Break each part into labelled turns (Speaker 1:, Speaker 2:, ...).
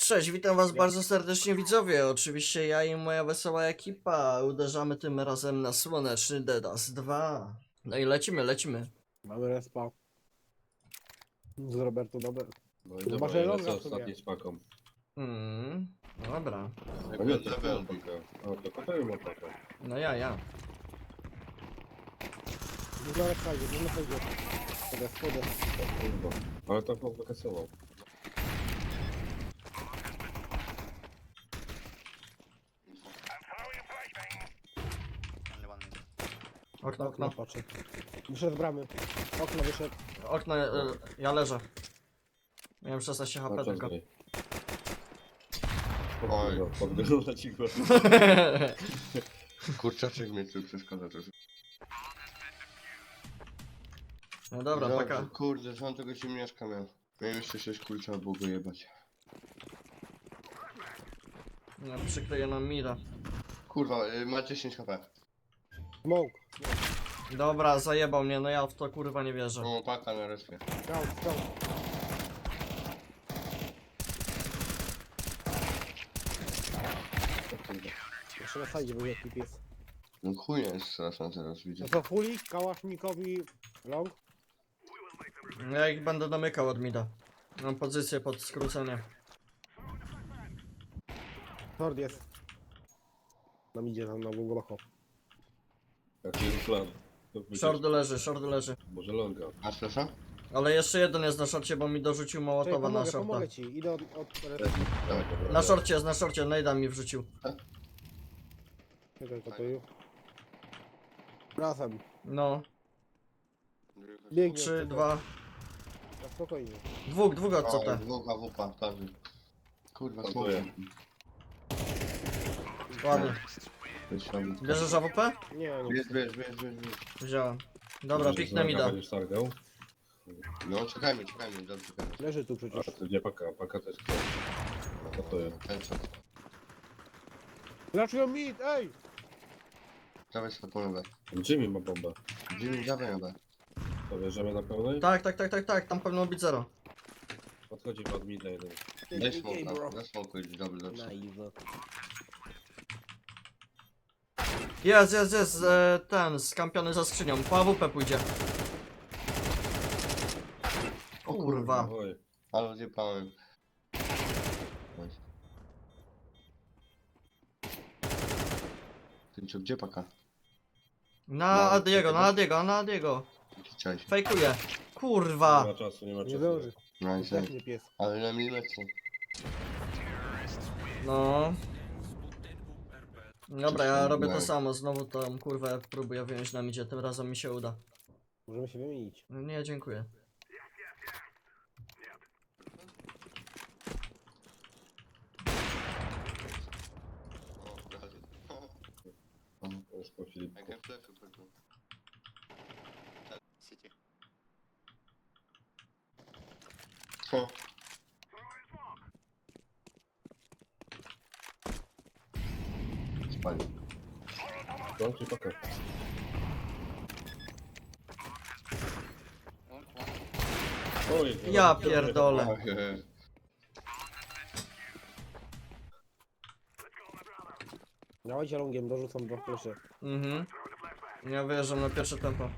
Speaker 1: Cześć, witam was bardzo serdecznie widzowie. Oczywiście ja i moja wesoła ekipa uderzamy tym razem na słoneczny Dedas 2. No i lecimy.
Speaker 2: Mamy respa. Z Roberto dobre.
Speaker 3: No i
Speaker 2: Chyba,
Speaker 3: dobra,
Speaker 2: że
Speaker 3: ja
Speaker 2: longa
Speaker 3: lecę
Speaker 2: w sumie.
Speaker 3: ostatni z paką.
Speaker 1: Dobra.
Speaker 3: A nie, to level paka. A to kotają ma paka.
Speaker 1: No ja.
Speaker 2: Dużo respa idzie, dużo respa idzie. Podest.
Speaker 3: Kurwa. Ale to chłop wykasował.
Speaker 1: Okno.
Speaker 2: No patrzę. Wyszedł z bramy. Okno wyszedł.
Speaker 1: Okno, ja leżę. Miałem 16 HP
Speaker 3: Na czas
Speaker 1: tylko.
Speaker 3: gry. Oj, podgrywa ci go.
Speaker 4: Kurczaczek mnie tu przeszkadza też.
Speaker 1: No dobra,
Speaker 4: Dobrze,
Speaker 1: taka.
Speaker 4: Kurde, sam tego ciemniaszka miał. Miałem jeszcze 6 kul, trzeba było go jebać.
Speaker 1: No, przykleję nam mira.
Speaker 4: Kurwa, ma 10 HP.
Speaker 2: Smoke.
Speaker 1: Dobra, zajebał mnie, no ja w to kurwa nie wierzę.
Speaker 4: No, paka na respie.
Speaker 2: Scout. Jeszcze na sajdzie był jaki pies.
Speaker 4: No chuj jest straszna teraz, widzę.
Speaker 2: No to Fuli, Kałasznikowi, Long.
Speaker 1: Ja ich będę domykał od mida. Mam pozycję pod skrócenie.
Speaker 2: Short jest. Nam idzie tam na głęboko.
Speaker 3: Jaki jest plan? To wyjdzie-
Speaker 1: Short leży.
Speaker 3: Może longa.
Speaker 4: A słyszę?
Speaker 1: Ale jeszcze jeden jest na szorcie, bo mi dorzucił
Speaker 2: Czekaj,
Speaker 1: Mołotowa na szorta.
Speaker 2: pomogę ci. Idę od
Speaker 4: Dawaj.
Speaker 1: Na szorcie, Nejda mi wrzucił.
Speaker 2: Czekaj, kotuju. Razem.
Speaker 1: No,
Speaker 2: Biegnie.
Speaker 1: 3, 2,
Speaker 2: Na spokojnie.
Speaker 1: dwóch od
Speaker 4: O,
Speaker 1: CT.
Speaker 4: dwóch AWP, tak. Kurwa,
Speaker 3: Dziękuję.
Speaker 4: smoke.
Speaker 1: Ładnie.
Speaker 4: Wysiadł.
Speaker 1: Bierzesz AWP?
Speaker 2: Nie.
Speaker 4: Bierz.
Speaker 1: Wziąłem. Dobra, piknę mi da.
Speaker 3: Będziesz targał.
Speaker 4: No, czekajmy, dobrze czekajmy.
Speaker 2: Leży tu
Speaker 3: A
Speaker 2: przecież.
Speaker 3: to gdzie paka? Paka też chce. No to jest.
Speaker 4: Ten co?
Speaker 2: Dlaczego mid? Ej!
Speaker 4: Dawaj sobie polowę.
Speaker 3: Jimmy ma bombę.
Speaker 4: Jimmy, dawaj ją.
Speaker 3: To bierzemy na pełnej?
Speaker 1: Tak, tam powinno być 0.
Speaker 3: Podchodzi pod midna jeden.
Speaker 4: Daj smoka, daj smoku, dobrze.
Speaker 1: Jest, ten, skampiony za skrzynią. Po AWP pójdzie. O kurwa.
Speaker 3: Oj.
Speaker 4: Ale zjebałem. Ty co, gdzie paka?
Speaker 1: Na Adiego.
Speaker 4: Chciałeś.
Speaker 1: Fejkuje.
Speaker 3: Nie
Speaker 1: Kurwa.
Speaker 3: ma czasu, nie ma
Speaker 2: Nie
Speaker 3: czasu.
Speaker 2: zdąży.
Speaker 4: Nice.
Speaker 2: Zdechnie pies.
Speaker 4: Ale na milimetr.
Speaker 1: No. Dobra, ja robię to samo. Znowu tą kurwę próbuję wyjąć na midzie. Tym razem mi się uda.
Speaker 2: Możemy się wymienić.
Speaker 1: Nie, dziękuję.
Speaker 4: O,
Speaker 3: Już po Filipku.
Speaker 4: jak ja fleszy pewnie. City. O. Spali.
Speaker 3: To czy paka? Oj.
Speaker 1: Ja pierdolę.
Speaker 2: Dawajcie longiem, dorzucam dwa flesze.
Speaker 1: Ja wyjeżdżam na pierwsze tempo.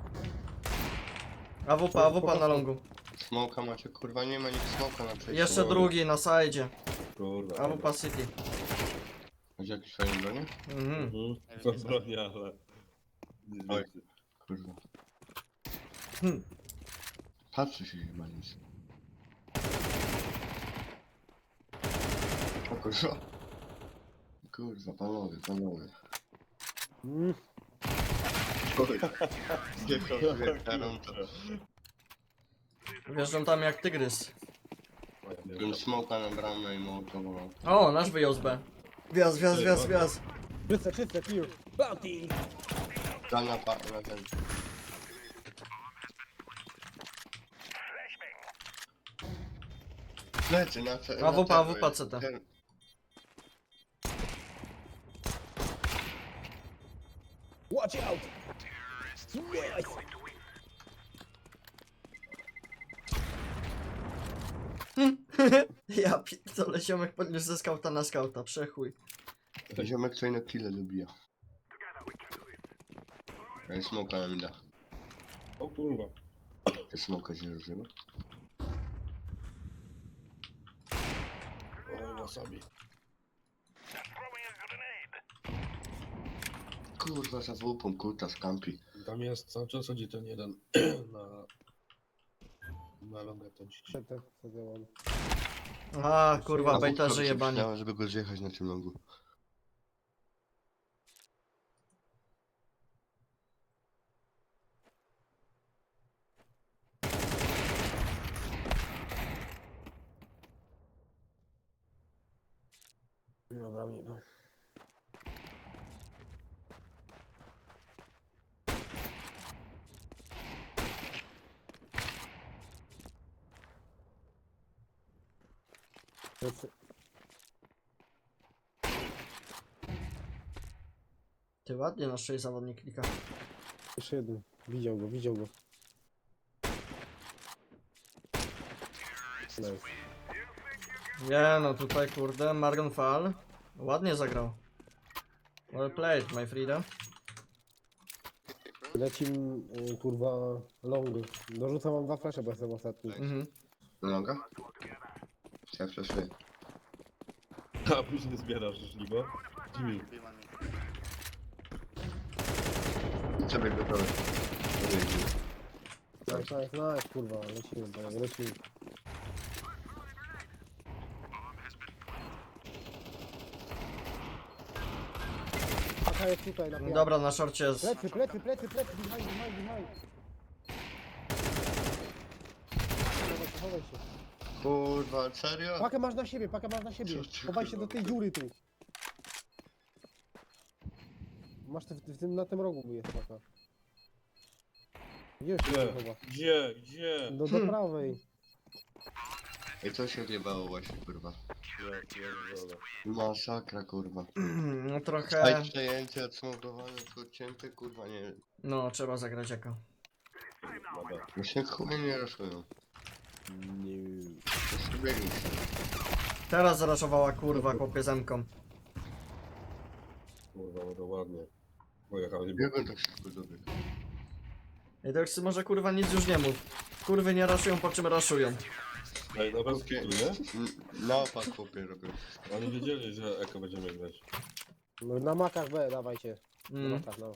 Speaker 1: AWP na longu.
Speaker 4: Smoka macie, kurwa, nie ma nikt smoka na przejściu.
Speaker 1: Jeszcze drugi na sajdzie.
Speaker 3: Kurwa.
Speaker 1: AWP City.
Speaker 4: Macie jakieś fajne bronie?
Speaker 3: To broni, ale... Nie
Speaker 4: Oj.
Speaker 3: wiecie.
Speaker 4: Kurwa.
Speaker 1: Hmm.
Speaker 4: Patrzy się chyba nic. O kurwa. Kurwa, panowie.
Speaker 2: Mm.
Speaker 4: Nie kocham to.
Speaker 1: Wjeżdżam tam jak tygrys.
Speaker 4: Bym smoka na bramę i mołotował.
Speaker 1: O, nasz wyjął z B. Wjazd.
Speaker 2: Czyste, clear. Bounty!
Speaker 4: Tam na ten. Plecy na C.
Speaker 1: AWP CT.
Speaker 2: Watch out! Yes!
Speaker 1: Ja pierdolę, ziomek podniósł ze skauta na skauta, przechuj.
Speaker 4: Ziomek co na kile dobija. Ej, smoka na mida.
Speaker 3: O kurwa.
Speaker 4: Te smoka się rozrywa.
Speaker 3: Oj, wasabi.
Speaker 4: Kurwa, za wupą, kurta z kampi.
Speaker 3: Tam jest, cały czas chodzi ten jeden na... Na longę ten ci.
Speaker 2: Co działam?
Speaker 1: A, kurwa,
Speaker 4: A
Speaker 1: bejta
Speaker 4: wódka by
Speaker 1: żyje
Speaker 4: się
Speaker 1: banie.
Speaker 4: przydała, żeby go zjechać na tym longu.
Speaker 2: Dobra, nie no.
Speaker 1: Ty ładnie na szyi zawodnik klika.
Speaker 2: Jeszcze jeden. Widział go, widział go. Nice.
Speaker 1: Nie no, tutaj kurde, Margon Fall. Ładnie zagrał. Well played, my Frida.
Speaker 2: Lecim, kurwa, long. Dorzucam wam 2 flesze, bo jestem ostatni.
Speaker 1: Mhm.
Speaker 4: Na longa? Ja flashuję.
Speaker 3: A później zbierasz żniwo. Jimmy.
Speaker 4: Przebieg gotowy.
Speaker 2: Nice, kurwa, lecimy, tak, lecimy. Paka jest tutaj, na piach.
Speaker 1: Dobra, na szorcie jest.
Speaker 2: Plecy, behind. Chowaj się.
Speaker 4: Kurwa, serio?
Speaker 2: Pakę masz na siebie.
Speaker 4: Co ty,
Speaker 2: Chowaj się do tej
Speaker 4: kurwa,
Speaker 2: dziury tu. Masz w tym, na tym rogu jest paka. Gdzie się
Speaker 3: Gdzie?
Speaker 2: chowa?
Speaker 3: Gdzie?
Speaker 2: Do prawej.
Speaker 4: Ej, co się odjebało właśnie, kurwa?
Speaker 3: Ja pierdolę.
Speaker 4: Masakra, kurwa.
Speaker 1: No trochę.
Speaker 4: Aj, przejęcie, odsmokowane, odcięte, kurwa, nie.
Speaker 1: No, trzeba zagrać jako.
Speaker 3: Dobra.
Speaker 4: Właśnie chuj nie raszują.
Speaker 2: Nie.
Speaker 4: To sobie biegli się.
Speaker 1: Teraz zaraszowała kurwa chłopie zemką.
Speaker 3: Kurwa, no to ładnie. Pojechali.
Speaker 4: Biegłem tak szybko dobiegł.
Speaker 1: I to już może kurwa nic już nie mów. Kurwy nie raszują, po czym raszują.
Speaker 3: Ej, no bez kitu, nie?
Speaker 4: Na opak chłopie robią.
Speaker 3: Oni wiedzieli, że Eko będziemy grać.
Speaker 2: No, na makach B, dawajcie. Na makach, no.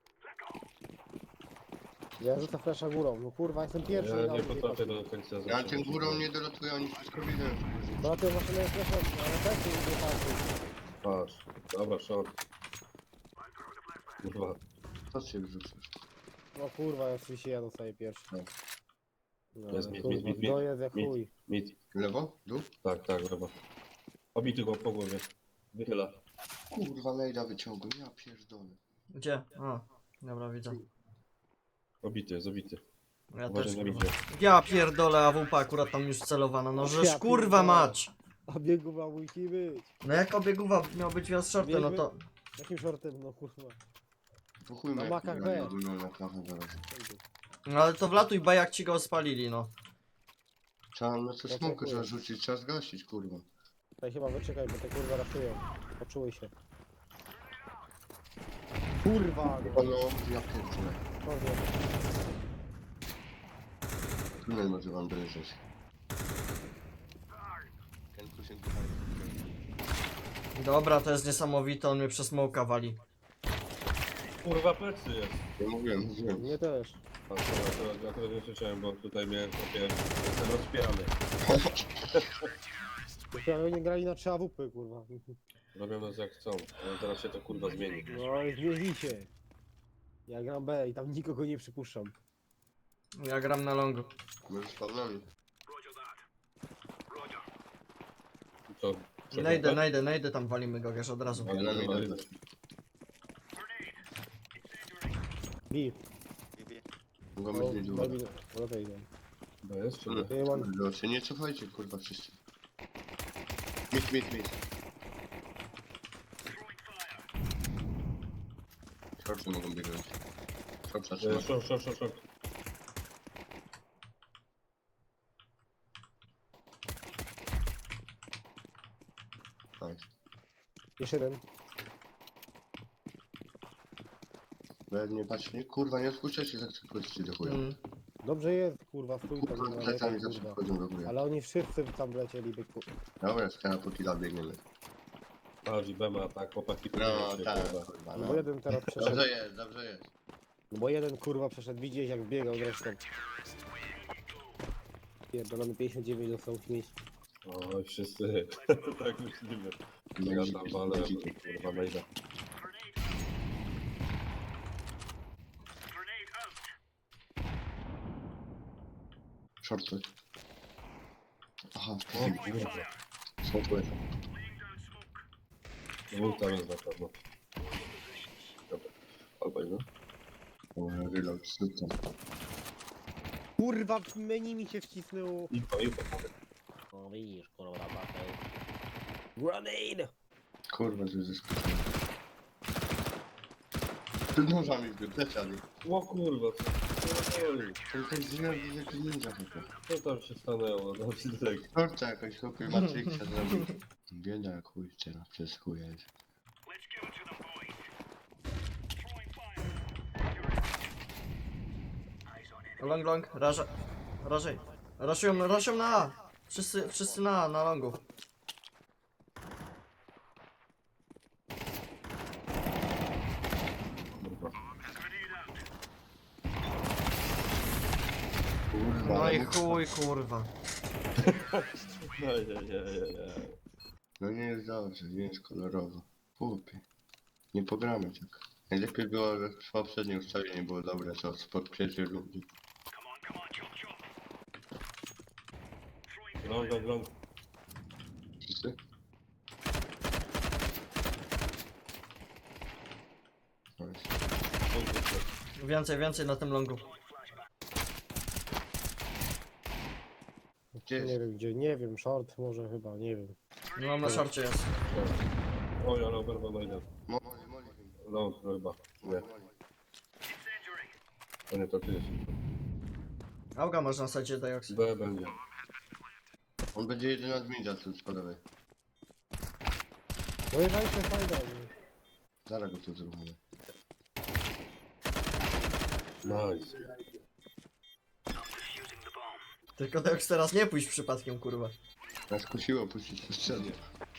Speaker 2: Ja rzucę flasza górą. No kurwa, jestem pierwszy.
Speaker 3: Ja nie
Speaker 2: dawaj,
Speaker 3: potrafię
Speaker 2: dawaj.
Speaker 3: do końca
Speaker 4: Ja
Speaker 3: zacząć.
Speaker 4: tym górą nie dolatuję, oni wszystko widzą.
Speaker 2: No to maszyna jest flasza, ale też nie wystarczy.
Speaker 3: Patrz. Dobra, short. Kurwa.
Speaker 4: Co się wrzucasz?
Speaker 2: No kurwa, oczywiście ja dostaję pierwszy.
Speaker 4: Tak.
Speaker 2: No,
Speaker 3: Jest mit,
Speaker 2: kurwa,
Speaker 3: mit, mit,
Speaker 2: to jest jak
Speaker 3: mit.
Speaker 2: chuj.
Speaker 3: Mit.
Speaker 4: Lewo? Dół?
Speaker 3: Tak, lewo. Obity go po głowie. Wychyla.
Speaker 4: Kurwa, Lejda wyciągł, ja pierdolę.
Speaker 1: Gdzie? A, dobra, widzę.
Speaker 3: Obity jest, obity.
Speaker 1: Ja
Speaker 3: Uważaj
Speaker 1: też
Speaker 3: na
Speaker 1: kurwa.
Speaker 3: midzie.
Speaker 1: Ja pierdolę, AWP akurat tam już celowana, no żeż
Speaker 2: Ja
Speaker 1: kurwa
Speaker 2: pierdolę.
Speaker 1: mać!
Speaker 2: A bieguma musi być.
Speaker 1: No jak obieguwa miał być wjazd shortem, no to...
Speaker 2: Jakim shortem, no kurwa.
Speaker 4: Po chuj
Speaker 2: Na
Speaker 4: mnie,
Speaker 2: makach
Speaker 4: kurwa,
Speaker 2: B.
Speaker 4: nie robią na kawę zaraz.
Speaker 1: No ale to wlatuj B jak ci go spalili, no.
Speaker 4: Trzeba na co
Speaker 2: Ja
Speaker 4: smoku
Speaker 2: dziękuję.
Speaker 4: trzeba rzucić, trzeba zgasić, kurwa.
Speaker 2: Tutaj chyba wyczekaj, bo te kurwa raszują. Poczuły się. Kurwa,
Speaker 4: Kurwa, no, ja pierdolę.
Speaker 2: Dobrze.
Speaker 4: Tunel może wam dojeżdżać. Ten kusien tutaj.
Speaker 1: Dobra, to jest niesamowite, on mnie przez smoka wali.
Speaker 3: Kurwa, plecy jest.
Speaker 4: Ja mówiłem.
Speaker 2: Mnie też.
Speaker 3: A to akurat nie słyszałem, bo tutaj mnie kopie. Jestem rozpierany.
Speaker 2: Prawie nie grali na 3 AWP, kurwa.
Speaker 3: Robią nas jak chcą, ale teraz się to kurwa zmieni.
Speaker 2: No i zmieni się. Ja gram B i tam nikogo nie przypuszczam.
Speaker 1: Ja gram na longu.
Speaker 4: Może z Pawlami.
Speaker 3: Co?
Speaker 1: Najdę, tam walimy go wiesz od razu.
Speaker 3: Ale
Speaker 4: Pawlami
Speaker 3: ale-
Speaker 4: dać.
Speaker 2: B.
Speaker 4: Mogą
Speaker 2: No,
Speaker 4: być niedługo.
Speaker 2: Lepiej idę.
Speaker 3: To jest czy nie?
Speaker 2: Ja mam...
Speaker 4: Kurde, nie cofajcie, kurwa, wszyscy. Mit. Szorcy mogą biegnąć. Szorca trzyma.
Speaker 3: Short.
Speaker 4: Nice.
Speaker 2: Jeszcze jeden.
Speaker 4: Nie patrz, nie, kurwa, nie odpuszczajcie, tak szybko do chuja.
Speaker 2: Dobrze jest, kurwa, stój tam, nie ma
Speaker 4: Plecami
Speaker 2: lepiej,
Speaker 4: zawsze
Speaker 2: kurwa.
Speaker 4: wchodzą do góry.
Speaker 2: Ale oni wszyscy tam lecieli, byku.
Speaker 4: Dobra, skana po killa biegniemy.
Speaker 3: Patrz, Bema, tak, chłopaki
Speaker 4: No,
Speaker 3: pilnują się,
Speaker 4: tak,
Speaker 3: kurwa.
Speaker 4: kurwa,
Speaker 2: No
Speaker 4: no.
Speaker 2: bo jeden teraz przeszedł.
Speaker 4: Dobrze jest.
Speaker 2: No bo jeden kurwa przeszedł, widzieć jak biegał zresztą. Pierdolony 59 dostał śmieć.
Speaker 3: Oj, wszyscy, tak myślimy. Ja tam walę, kurwa, najda.
Speaker 4: Shorty. Aha,
Speaker 3: O kurwa,
Speaker 4: smokły.
Speaker 3: dwóch tam jest na pewno. Dobra, albo no.
Speaker 4: Reload, zrób tam.
Speaker 2: Kurwa, w menu mi się wcisnęło.
Speaker 3: Info,
Speaker 2: O widzisz, kurwa, batę. Grenade!
Speaker 4: Kurwa, to jest zaskoczone. Ty nożami w pleciali.
Speaker 3: O kurwa, co oj,
Speaker 4: To jest źle, jak ninja chyba.
Speaker 3: co tam się stanęło, no tak.
Speaker 4: Torta jakaś chłopie Matrixa zrobił. Bieda jak chuj teraz, przez chuja jest.
Speaker 1: Long, rażej. Raszują na A. Wszyscy na longu.
Speaker 3: Kurwa.
Speaker 4: Kurwa,
Speaker 1: No i
Speaker 4: ale-
Speaker 1: chuj, kurwa.
Speaker 3: Ojej.
Speaker 4: No nie jest dobrze, nie jest kolorowo. Chłopie. Nie pogramy tak. Najlepiej było, że w poprzedniej ustawienie było dobre, co spod pierwszej rundy.
Speaker 3: Long.
Speaker 4: Wszyscy? Nice.
Speaker 1: Więcej na tym longu.
Speaker 4: Gdzie
Speaker 2: Nie
Speaker 4: jest?
Speaker 2: wiem gdzie, nie wiem, short może chyba, nie wiem.
Speaker 1: No na szorcie jest.
Speaker 3: Oj, ale oberwa najda.
Speaker 4: Moli.
Speaker 3: Long chyba. Nie,
Speaker 4: Moli.
Speaker 3: to nie to ty jest.
Speaker 1: Auga można sadzić Diox.
Speaker 3: B będzie.
Speaker 4: On będzie jeden od mida tu spadowej.
Speaker 2: Pojechajcie fajda.
Speaker 4: Zaraz go tu zrobimy.
Speaker 3: Nice.
Speaker 1: Tylko Diox teraz nie pójść przypadkiem, kurwa.
Speaker 4: Nas kusiło puścić po ścianie.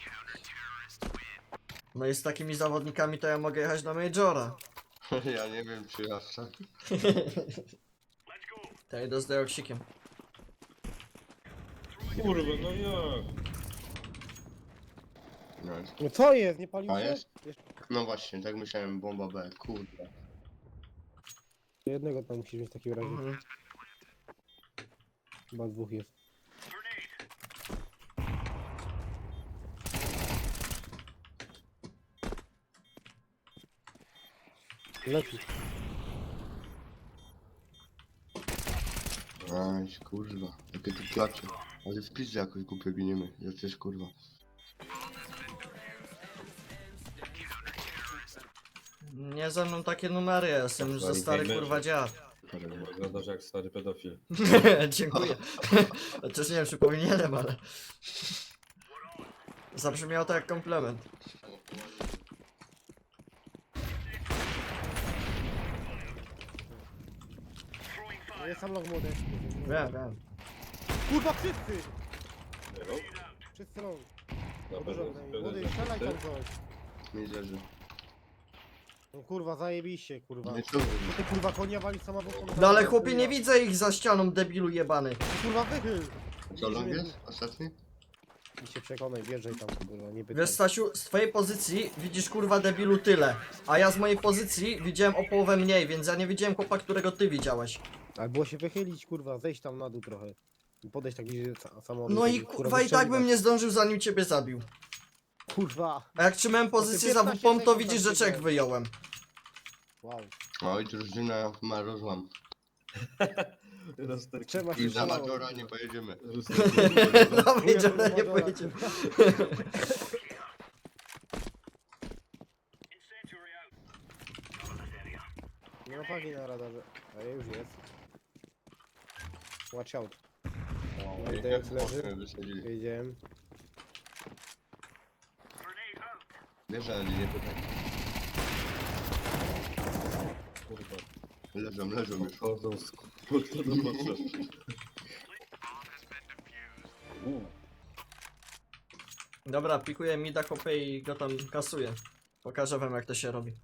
Speaker 1: No i z takimi zawodnikami to ja mogę jechać do Majora.
Speaker 4: Ja nie wiem czy aż tak.
Speaker 1: To ja idę z Dioxikiem.
Speaker 3: Kurwa, no jak?
Speaker 4: Nice.
Speaker 2: No co jest, nie palił
Speaker 4: A
Speaker 2: się?
Speaker 4: jest?
Speaker 2: Jeszcze
Speaker 4: No właśnie, tak myślałem, bomba B, kurde.
Speaker 2: jednego tam musisz mieć w takim razie.
Speaker 1: Mhm.
Speaker 2: Chyba dwóch jest. Leci.
Speaker 4: Nice, kurwa. Jakie tu klacze. Ale w pizzy jakoś głupio giniemy. Ja też kurwa.
Speaker 1: Nie ze mną takie numery, ja jestem już za stary kurwa dziad.
Speaker 3: Wyglądasz jak stary pedofil.
Speaker 1: Dziękuję. Chociaż nie wiem czy powinienem, ale... Zabrzmiało to jak komplement.
Speaker 2: No jest sam log młody.
Speaker 1: Wiem.
Speaker 2: Kurwa wszyscy!
Speaker 3: Nie no?
Speaker 2: Wszyscy log.
Speaker 3: Na
Speaker 2: Dużo
Speaker 3: pewno
Speaker 2: tutaj. Młody, strzelaj tam coś.
Speaker 4: Nie zależy.
Speaker 2: No kurwa, zajebiście, kurwa.
Speaker 4: Nie tu.
Speaker 2: Ty kurwa konia wali samochodą.
Speaker 1: No ale chłopie nie widzę ich za ścianą, debilu jebany.
Speaker 2: Kurwa wychyl!
Speaker 4: Co long jest? Ostatni?
Speaker 2: I się przekonaj, wjeżdżaj tam, kurwa, nie pytaj.
Speaker 1: Wiesz Stasiu, z twojej pozycji widzisz kurwa debilu tyle. A ja z mojej pozycji widziałem o połowę mniej, więc ja nie widziałem chłopa, którego ty widziałeś.
Speaker 2: Ale było się wychylić, kurwa, zejść tam na dół trochę. I podejść tak bliżej samochodu.
Speaker 1: No i
Speaker 2: kurwa,
Speaker 1: kurwa i tak bym
Speaker 2: wystrzeliwać.
Speaker 1: nie zdążył zanim ciebie zabił.
Speaker 2: Kurwa!
Speaker 1: A jak trzymałem pozycję za
Speaker 2: 15
Speaker 1: WP, to
Speaker 2: sekund
Speaker 1: widzisz,
Speaker 2: tam
Speaker 1: że czek
Speaker 2: siedziałem.
Speaker 1: wyjąłem.
Speaker 2: Wow.
Speaker 4: Oj, drużyna ma rozłam.
Speaker 2: Trzeba się
Speaker 4: I za
Speaker 2: strzelało,
Speaker 4: Majora
Speaker 2: kurwa.
Speaker 4: nie pojedziemy.
Speaker 1: No wiedziałem, nie pojedziemy.
Speaker 2: Nie ma fagi na radarze. A już jest. Watch out.
Speaker 4: No,
Speaker 2: No i
Speaker 4: jak
Speaker 2: Dejox leży.
Speaker 4: mocno wysadzili.
Speaker 2: Wiedziałem.
Speaker 4: Wiesz, ale nie pytaj.
Speaker 3: Kurwa.
Speaker 4: Leżą już.
Speaker 3: Chodzą z kurwa do potrzeby.
Speaker 1: Dobra, pikuję mida, kopię i go tam kasuję. Pokażę wam jak to się robi.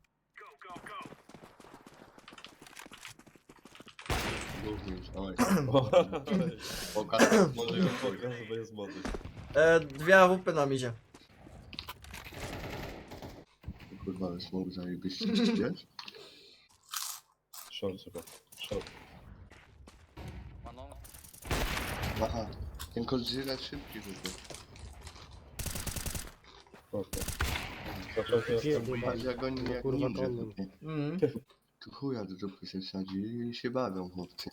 Speaker 4: Również, oj.
Speaker 3: O,
Speaker 4: Pokaż, może ją
Speaker 3: pokaż, bo jest młody.
Speaker 1: Dwie AWP nam idzie.
Speaker 4: Kurwa, ale smok zajebiście, wiesz?
Speaker 3: Short chyba. Short.
Speaker 4: Aha, ten Godzilla szybki chyba.
Speaker 3: Okej. Zaczął się
Speaker 2: Gdzie
Speaker 3: jestem.
Speaker 2: był?
Speaker 4: Patrz jak oni jak
Speaker 2: Kurwa,
Speaker 4: ninja
Speaker 2: konnym.
Speaker 4: tutaj.
Speaker 1: Mhm.
Speaker 4: Tu chuja do dupy się wsadzi i się bawią chłopcy.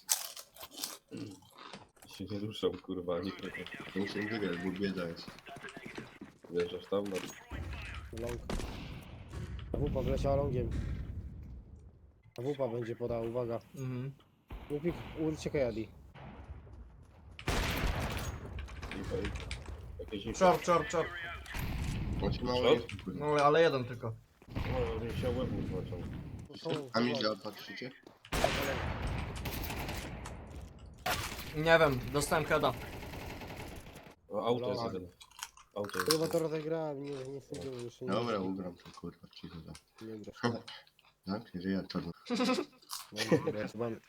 Speaker 3: Się nie ruszam, kurwa, ani kroku.
Speaker 4: Muszę wygrać, bo bieda jest.
Speaker 3: Wjeżdżasz tam? No.
Speaker 2: Long. Wupa wleciała longiem. A wupa będzie podała, uwaga.
Speaker 1: Mhm.
Speaker 2: Łupik, uciekaj Adi.
Speaker 3: I jakieś info.
Speaker 1: Czop, czop, czop.
Speaker 4: On się mało
Speaker 3: Co?
Speaker 4: jest, kurwa.
Speaker 1: No ale jeden tylko.
Speaker 3: O, nie się łeb mu złaciał.
Speaker 4: A mi działa, patrzycie?
Speaker 1: Nie wiem, dostałem heada.
Speaker 3: O, auto jest
Speaker 2: Dobra.
Speaker 3: jeden. Auto jest
Speaker 2: Chyba
Speaker 3: jeden.
Speaker 2: to rozegrałem, nie sądzę, jeszcze nie.
Speaker 4: Dobra, ugram to kurwa, cicho tam.
Speaker 2: Nie grasz.
Speaker 4: Tak? Że ja to...
Speaker 2: Nie grasz, mam.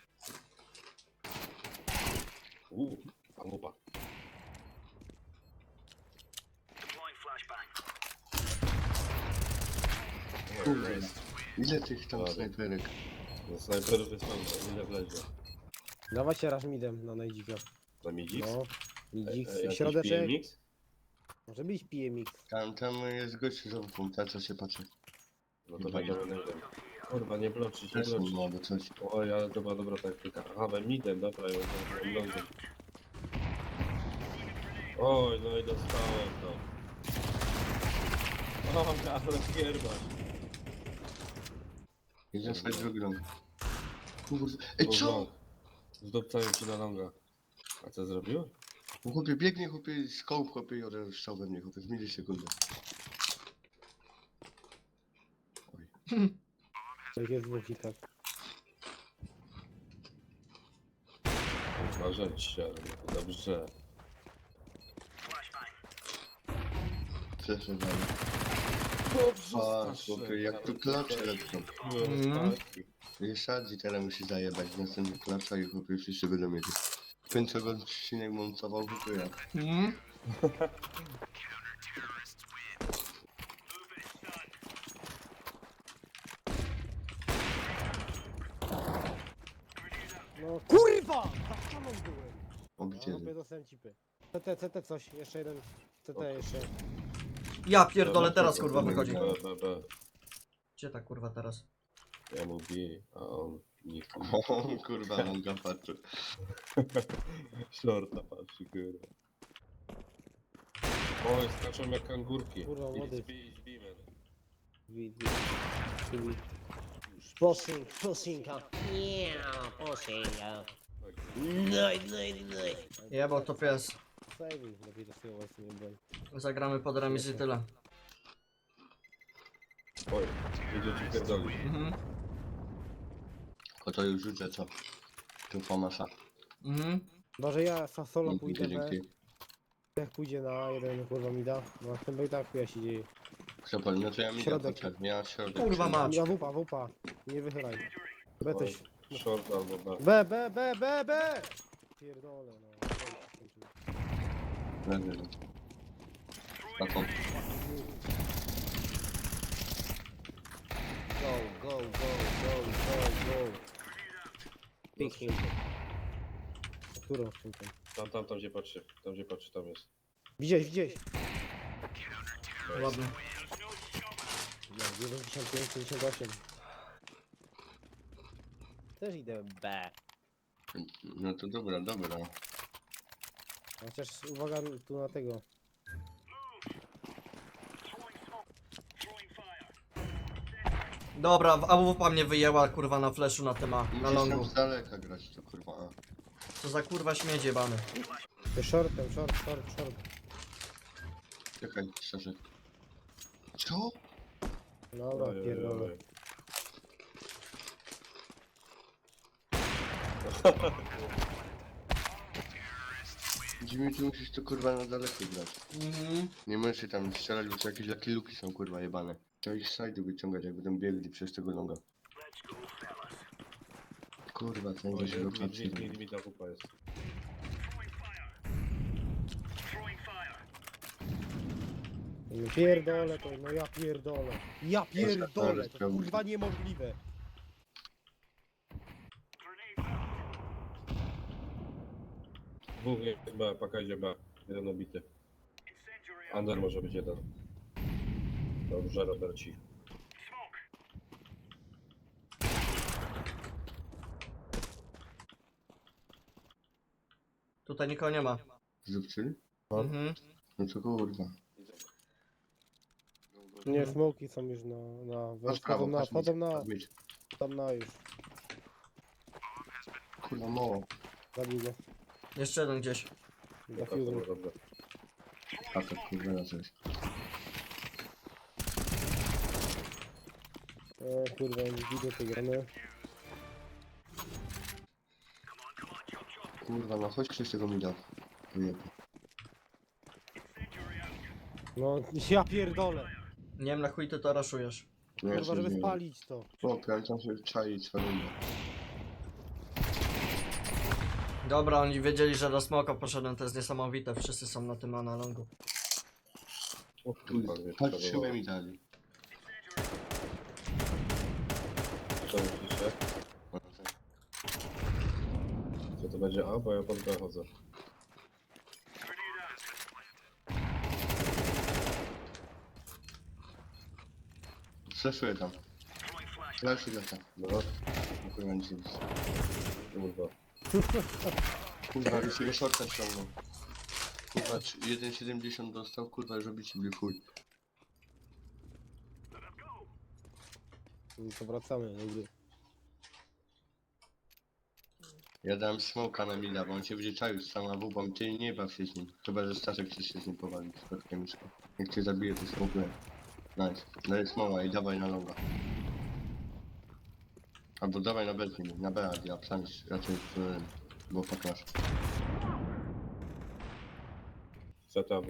Speaker 3: Palupa.
Speaker 4: Kurwa, ile tych tam
Speaker 3: Ładnie.
Speaker 4: snajperek?
Speaker 3: No snajperów jest tam, ile wlezie.
Speaker 2: Dawajcie raz midem na najdzika.
Speaker 3: Na midix?
Speaker 2: No. Midzik,
Speaker 3: Jakiś
Speaker 2: środeczek.
Speaker 3: PMX?
Speaker 2: Może być PMX.
Speaker 4: Tam jest gość z opą, ta co się patrzy.
Speaker 3: No to będziemy najdem. Kurwa, nie bloczyć, nie
Speaker 4: Też
Speaker 3: bloczyć.
Speaker 4: albo coś.
Speaker 3: Oj, ale to była dobra taktyka. Aha, we midem, dobra, ja mam lądem. Oj, no i dostałem to. O, ale pierwać.
Speaker 4: Jeden sobie drugi rąk. Kurwa, ej co?
Speaker 3: Zdobcają ci na longa. A co zrobił?
Speaker 4: Chłopie biegnie, chłopie z kołb, chłopie i od strzał we mnie, chłopie w milisekundę. Oj.
Speaker 2: To jest dwóch i tak.
Speaker 3: Uważać się, ale dobrze.
Speaker 4: Cieszę dalej.
Speaker 3: Dobrze,
Speaker 4: Patrz, chłopie, jak tu klacze lecą.
Speaker 1: Mhm.
Speaker 4: I Shadzi teraz musi zajebać następny klacza i chłopie wszyscy będą mieli. Końcowy odcinek montował, to ja.
Speaker 1: Mhm.
Speaker 2: No kurwa! Za ścianą byłem!
Speaker 4: O
Speaker 2: No,
Speaker 4: gdzie?
Speaker 2: sobie dostałem cipy. CT coś, jeszcze jeden. CT jeszcze.
Speaker 1: Ja pierdolę, teraz kurwa wychodzi.
Speaker 3: B.
Speaker 1: Gdzie ta kurwa teraz?
Speaker 3: Ja mówię, a on nie
Speaker 4: O kurwa, longa patrzy.
Speaker 3: Shorta patrzy, kurwa. Oj, skaczą jak kangurki.
Speaker 2: Kurwa, młody.
Speaker 3: Idź, beamer.
Speaker 2: Pushing,
Speaker 5: Yeah, pushing.
Speaker 3: Tak.
Speaker 1: Jebał to pies.
Speaker 2: Saving, lepiej to sobie właśnie nie broń.
Speaker 1: Zagramy pod remis i tyle.
Speaker 3: Oj, idzie ci pierdolić.
Speaker 1: Mhm.
Speaker 4: O to już rzucę co? Tu famasa.
Speaker 1: Mhm.
Speaker 2: Może ja solo pójdę,
Speaker 4: Dzięki.
Speaker 2: jak pójdzie na jeden kurwa mi da. No w tym i tak chuja się dzieje.
Speaker 4: Przepal, no to ja mi
Speaker 2: Środek.
Speaker 4: ja środek.
Speaker 1: Kurwa
Speaker 4: przyjdę.
Speaker 1: mać.
Speaker 2: Ja wupa, nie wychylaj. B
Speaker 3: Oj,
Speaker 2: też.
Speaker 3: short albo B.
Speaker 2: B! Pierdolę no.
Speaker 4: Leży. Taką.
Speaker 5: Go.
Speaker 2: Pick him. Którą skrzynkę?
Speaker 3: Tam gdzie patrzy, tam jest.
Speaker 2: Widziałeś.
Speaker 1: Ładnie.
Speaker 2: No, 95, 58.
Speaker 5: Też idę B.
Speaker 4: No to dobra.
Speaker 2: Chociaż uwaga tu na tego.
Speaker 1: Dobra, AWP mnie wyjęła kurwa na flashu na tema, na
Speaker 4: Musisz
Speaker 1: longu.
Speaker 4: tam z daleka grać to kurwa. A.
Speaker 1: Co za kurwa śmieć jebany.
Speaker 2: To shortem, short.
Speaker 4: Czekaj, szczerze. Co?
Speaker 2: Dobra,
Speaker 3: Oj, oj,
Speaker 2: pierdolę.
Speaker 3: oj.
Speaker 4: Jimmy, ty musisz to kurwa na daleko grać.
Speaker 1: Mhm.
Speaker 4: Nie możesz się tam strzelać, bo to jakieś lucky luki są kurwa jebane. Trzeba ich z side'u wyciągać, jak będą biegli przez tego longa. Kurwa, ten
Speaker 3: Oj,
Speaker 4: gdzieś
Speaker 3: mi
Speaker 4: lokacji.
Speaker 3: limita kupa jest.
Speaker 2: Pierdolę to, no ja pierdolę. Ja pierdolę, to kurwa niemożliwe.
Speaker 3: Dwóch jest B, paka idzie B. Jeden obity. Under może być jeden. Dobrze, Roberci.
Speaker 1: Tutaj nikogo nie ma.
Speaker 4: Zupczyli?
Speaker 1: Mhm.
Speaker 4: No to kurwa.
Speaker 2: Nie, smoki są już
Speaker 4: Patrz prawo, patrz
Speaker 2: wchodzą
Speaker 4: mi.
Speaker 2: na,
Speaker 4: Patrz mi.
Speaker 2: tam na już.
Speaker 4: Kurwa, mało.
Speaker 2: Zabił go.
Speaker 1: Jeszcze jeden gdzieś.
Speaker 2: Zafiuznął.
Speaker 3: Dobrze.
Speaker 4: A to kurwa na coś.
Speaker 2: Kurwa, nie widzę tej gramy.
Speaker 4: Kurwa, no chodź ktoś tego mi da. Wyjebie.
Speaker 2: No, ja pierdolę.
Speaker 1: Nie wiem na chuj ty to raszujesz.
Speaker 4: No ja
Speaker 2: Kurwa,
Speaker 4: się
Speaker 2: żeby
Speaker 4: nie
Speaker 2: spalić to.
Speaker 4: Chłopie, ale tam się czai cwalimy.
Speaker 1: Dobra, oni wiedzieli, że do smoka poszedłem, to jest niesamowite. Wszyscy są na tym analongu.
Speaker 3: O kurwa, mnie
Speaker 4: Patrz,
Speaker 3: wskazywało.
Speaker 4: szybę mi dali.
Speaker 3: Co myślicie? Co to będzie A? Bo ja pod B chodzę.
Speaker 4: Fleszuję tam. Flashuj lata.
Speaker 3: No,
Speaker 4: Kurwa, nic nie widzę.
Speaker 3: kurwa.
Speaker 4: Kurwa, już jego shorta ściągnął. Kurwa, 1,70 dostał, kurwa, już robicie mnie chuj.
Speaker 2: No to wracamy do gry.
Speaker 4: Ja dałem smoka na mida, bo on się będzie czaił z sama wubą, ty nie baw się z nim. Chyba, że Staszek chce się z nim powalić, z mieszka. Jak cię zabije, to smokuję. Nice. Daj smoła i dawaj na longa. Albo dawaj na B z nim, na B, a ja psami raczej bo pokaż.
Speaker 3: Zeta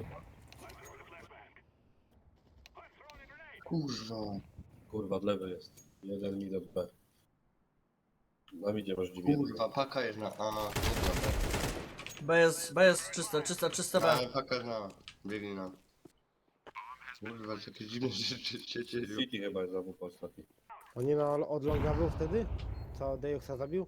Speaker 4: Kurwa.
Speaker 3: Kurwa, od lewy jest. Jeden mid od B. Na midzie masz dziwnie.
Speaker 4: Kurwa, paka jest na A, kurwa.
Speaker 1: B jest czyste B.
Speaker 4: A, paka jest na A. Biegnie na. Kurwa, to jakieś dziwne rzeczy się dzieją.
Speaker 3: City chyba jest za WP ostatni.
Speaker 2: On nie ma od longa był wtedy? Co Dejuxa zabił?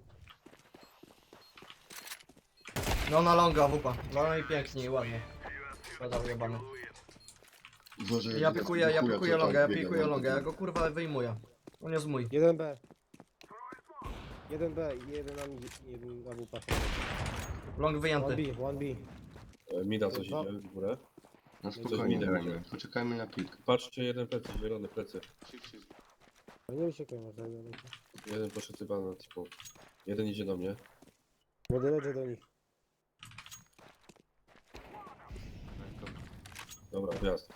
Speaker 1: No na longa wupa. No i pięknie i ładnie. Pedał jebany.
Speaker 4: Boże,
Speaker 1: Ja pikuję longa, ja pikuję
Speaker 4: no,
Speaker 1: longa, ja go kurwa wyjmuję. On jest mój.
Speaker 2: 1B. 1B i jeden na mnie, jeden na WP.
Speaker 1: Long wyjęty.
Speaker 2: 1B, 1B.
Speaker 3: Mida coś idzie w górę.
Speaker 4: No
Speaker 3: Coś
Speaker 4: spokojnie,
Speaker 3: minę
Speaker 4: grajmy.
Speaker 3: będzie.
Speaker 4: Poczekajmy na pik.
Speaker 3: Patrzcie, jeden plecy, zielony plecy.
Speaker 2: Ale nie uciekaj może.
Speaker 3: Jeden poszedł chyba na typu. Jeden idzie do mnie.
Speaker 2: Będę lecę do nich.
Speaker 3: Dobra, wjazd.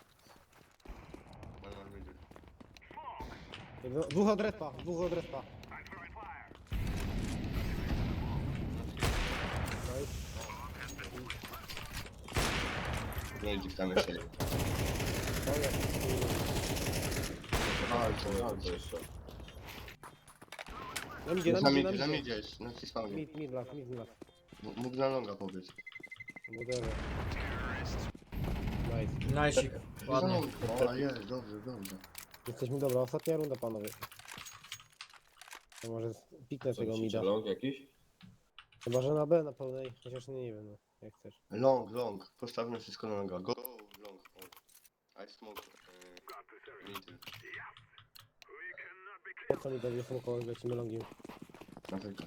Speaker 2: Dwóch od respa, dwóch od respa.
Speaker 4: No idzie tam jeszcze.
Speaker 3: To jeszcze.
Speaker 2: Na midzie, na
Speaker 4: Na
Speaker 2: midzie, na
Speaker 4: mnie
Speaker 2: midzie.
Speaker 4: gdzieś, na spawnie.
Speaker 2: Mid last, mid last.
Speaker 4: Mógł na longa powiedz.
Speaker 2: Whatever. Nice.
Speaker 1: Najsik. Ładnie.
Speaker 4: O, jest, dobrze, dobrze.
Speaker 2: Jesteśmy dobra, ostatnia runda panowie. To może piknę
Speaker 3: Co
Speaker 2: tego
Speaker 3: myślicie,
Speaker 2: mida.
Speaker 3: long jakiś?
Speaker 2: Chyba, że na B na pełnej, chociaż nie wiem, no, jak chcesz.
Speaker 4: Long. Postawmy wszystko na longa. Go, long. I smoke. Middle.
Speaker 2: Po co mi dobrze smokować, lecimy longiem.
Speaker 4: Na tylko.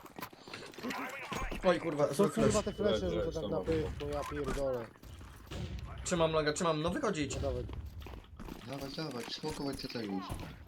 Speaker 1: Oj kurwa,
Speaker 2: Co
Speaker 1: zły
Speaker 2: kurwa
Speaker 1: flash.
Speaker 2: te flesze,
Speaker 3: Leży,
Speaker 2: że to tak
Speaker 3: sama
Speaker 2: na pysk, bo ja pierdolę.
Speaker 1: Trzymam longa, trzymam. No wychodzić.
Speaker 2: No dawaj.
Speaker 4: Dawaj, smokować CT już.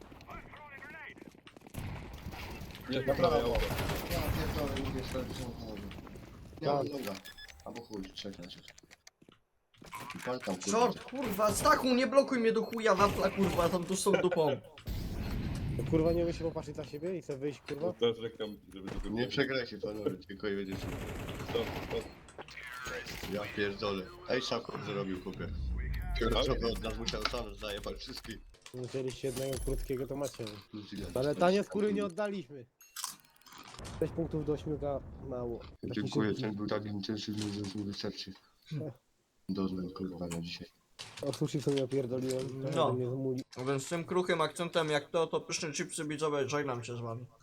Speaker 3: Nie, na prawej auto.
Speaker 4: Ja pierdolę, mówię sobie, że samochodu. Ja mam longa. Albo chuj, czekaj. Pal tam, kurwa.
Speaker 1: Short, kurwa, Stachu, nie blokuj mnie do chuja, wafla, kurwa, tam tu są dupą.
Speaker 2: To kurwa nie umie się popatrzeć na siebie i chce wyjść, kurwa?
Speaker 3: Teraz czekam, żeby tego
Speaker 4: Nie przegrajcie panowie, tylko i będziecie.
Speaker 3: Stop, stop.
Speaker 4: Ja pierdolę. Ej, Sako zrobił kupę. Fioletowy od nas musiał sam zajebać wszystkich.
Speaker 2: Musieliście jednego krótkiego, to macie.
Speaker 4: Plus ile?
Speaker 2: Ale tanie skóry nie oddaliśmy. 6 punktów do 8 mało. Taki
Speaker 4: Dziękuję,
Speaker 2: szybki.
Speaker 4: ten był tak intensywny, że już mi wystarczy. Doznam kurwa na dzisiaj.
Speaker 2: Od sushi sobie opierdoliłem.
Speaker 1: No.
Speaker 2: Mnie zmuli.
Speaker 1: Więc z tym kruchym akcentem jak to pyszne chipsy widzowie, żegnam się z wami.